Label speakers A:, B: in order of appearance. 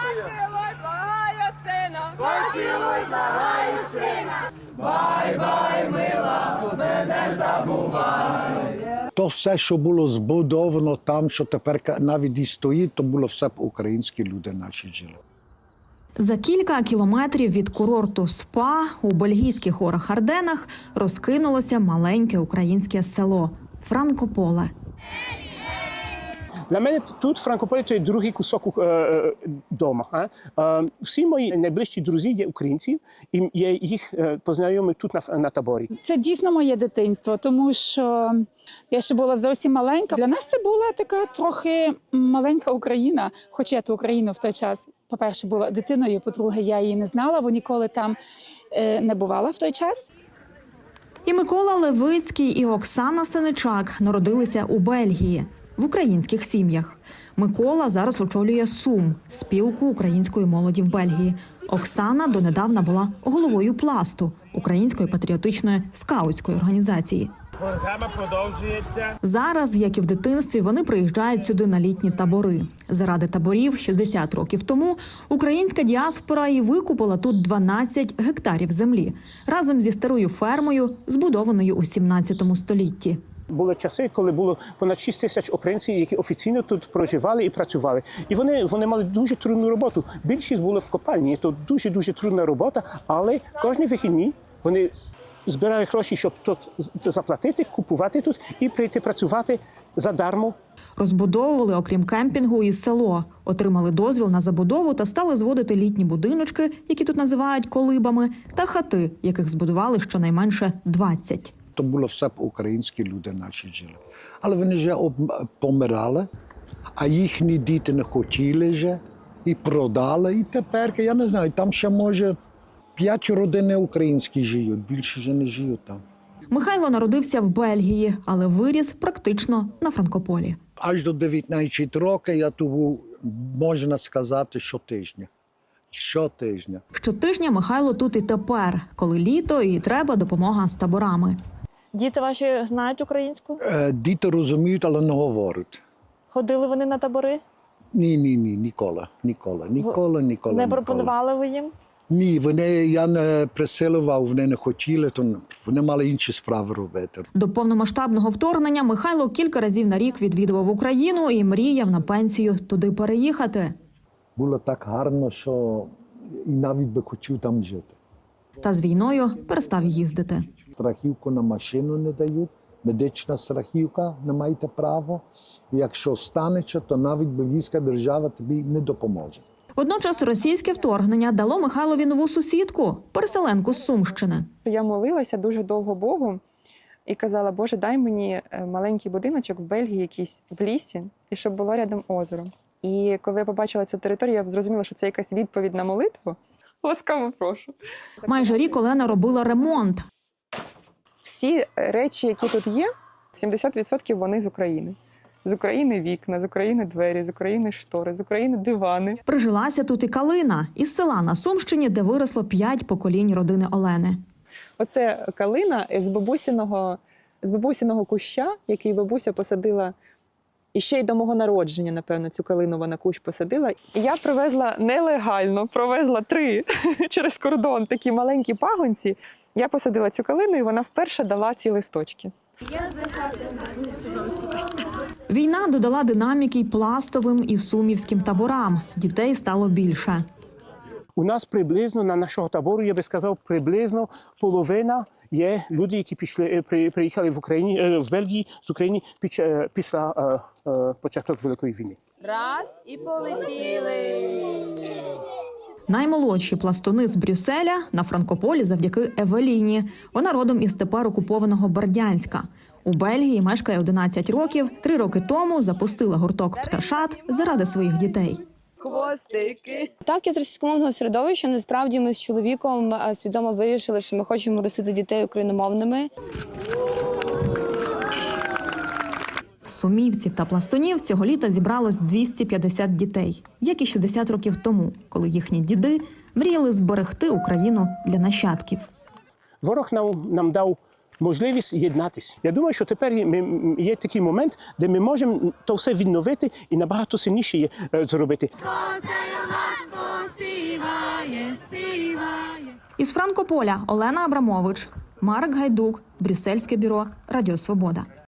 A: Поцілуй, благаю сина.
B: Поцілуй, благаю сина.
A: Бай-бай, мила, мене забувай.
C: То все, що було збудовано там, що тепер навіть і стоїть, то було все б українські люди наші жили.
D: За кілька кілометрів від курорту СПА у бельгійських горах Арденах розкинулося маленьке українське село – Франкополе.
E: Для мене тут Франкополе – це другий кусок дома. Всі мої найближчі друзі є українці, і я їх познайомив тут на таборі.
F: Це дійсно моє дитинство, тому що я ще була зовсім маленька. Для нас це була така трохи маленька Україна, хоча я ту Україну в той час, по-перше, була дитиною, по-друге, я її не знала, бо ніколи там не бувала в той час.
D: І Микола Левицький, і Оксана Сеничак народилися у Бельгії в українських сім'ях. Микола зараз очолює СУМ – спілку української молоді в Бельгії. Оксана донедавна була головою «Пласту» – української патріотичної скаутської організації.
E: Програма продовжується.
D: Зараз, як і в дитинстві, вони приїжджають сюди на літні табори. Заради таборів 60 років тому українська діаспора і викупила тут 12 гектарів землі разом зі старою фермою, збудованою у 17 столітті.
E: Були часи, коли було понад 6 тисяч українців, які офіційно тут проживали і працювали. І вони мали дуже трудну роботу. Більшість були в копальні. Це дуже трудна робота, але кожні вихідні вони збирали гроші, щоб тут заплатити, купувати тут і прийти працювати задармо.
D: Розбудовували, окрім кемпінгу, і село. Отримали дозвіл на забудову та стали зводити літні будиночки, які тут називають колибами, та хати, яких збудували щонайменше 20.
C: То було все б українські люди наші жили. Але вони вже помирали, а їхні діти не хотіли вже і продали. І тепер, я не знаю, там ще може 5 родин українські живуть, більше вже не живуть там.
D: Михайло народився в Бельгії, але виріс практично на Франкополі.
C: Аж до 19 років я тут був, можна сказати, щотижня. Щотижня.
D: Щотижня Михайло тут і тепер, коли літо і треба допомога з таборами.
G: Діти ваші знають українську?
C: Діти розуміють, але не говорять.
G: Ходили вони на табори?
C: Ні, ніколи.
G: Не пропонували ви їм?
C: Ні, я не присилував, вони не хотіли, то вони мали інші справи робити.
D: До повномасштабного вторгнення Михайло кілька разів на рік відвідував Україну і мріяв на пенсію туди переїхати.
C: Було так гарно, що і навіть би хотів там жити.
D: Та з війною перестав їздити.
C: Страхівку на машину не дають, медична страхівка, не маєте права. Якщо станеться, то навіть бельгійська держава тобі не допоможе.
D: Водночас російське вторгнення дало Михайлові нову сусідку – переселенку з Сумщини.
H: Я молилася дуже довго Богу і казала: Боже, дай мені маленький будиночок в Бельгії якийсь, в лісі, і щоб було рядом озеро. І коли я побачила цю територію, я зрозуміла, що це якась відповідь на молитву. Ласкаво прошу.
D: Майже рік Олена робила ремонт.
H: Всі речі, які тут є, 70% вони з України. З України вікна, з України двері, з України штори, з України дивани.
D: Прижилася тут і Калина із села на Сумщині, де виросло 5 поколінь родини Олени.
H: Оце калина з бабусиного куща, який бабуся посадила і ще й до мого народження, напевно, цю калину вона кущ посадила. І я привезла нелегально, провезла 3 через кордон такі маленькі пагонці. Я посадила цю калину, і вона вперше дала ці листочки.
D: Війна додала динаміки й пластовим, і сумівським таборам. Дітей стало більше.
E: У нас приблизно на нашого табору, я би сказав, приблизно половина є люди, які приїхали в Бельгії з України після початку Великої війни.
A: Раз і полетіли.
D: Наймолодші пластуни з Брюсселя на Франкополі завдяки Евеліні. Вона родом із тепер окупованого Бердянська. У Бельгії мешкає 11 років. 3 роки тому запустила гурток «Пташат» заради своїх дітей.
A: Хвостики.
I: Так, я з російськомовного середовища. Насправді ми з чоловіком свідомо вирішили, що ми хочемо ростити дітей україномовними.
D: Сумівців та пластунів цього літа зібралось 250 дітей, як і 60 років тому, коли їхні діди мріяли зберегти Україну для нащадків.
E: Ворог нам дав можливість єднатися. Я думаю, що тепер є такий момент, де ми можемо то все відновити і набагато сильніше зробити.
B: Сонце у нас
D: Із Франкополя Олена Абрамович, Марк Гайдук, Брюссельське бюро Радіо Свобода.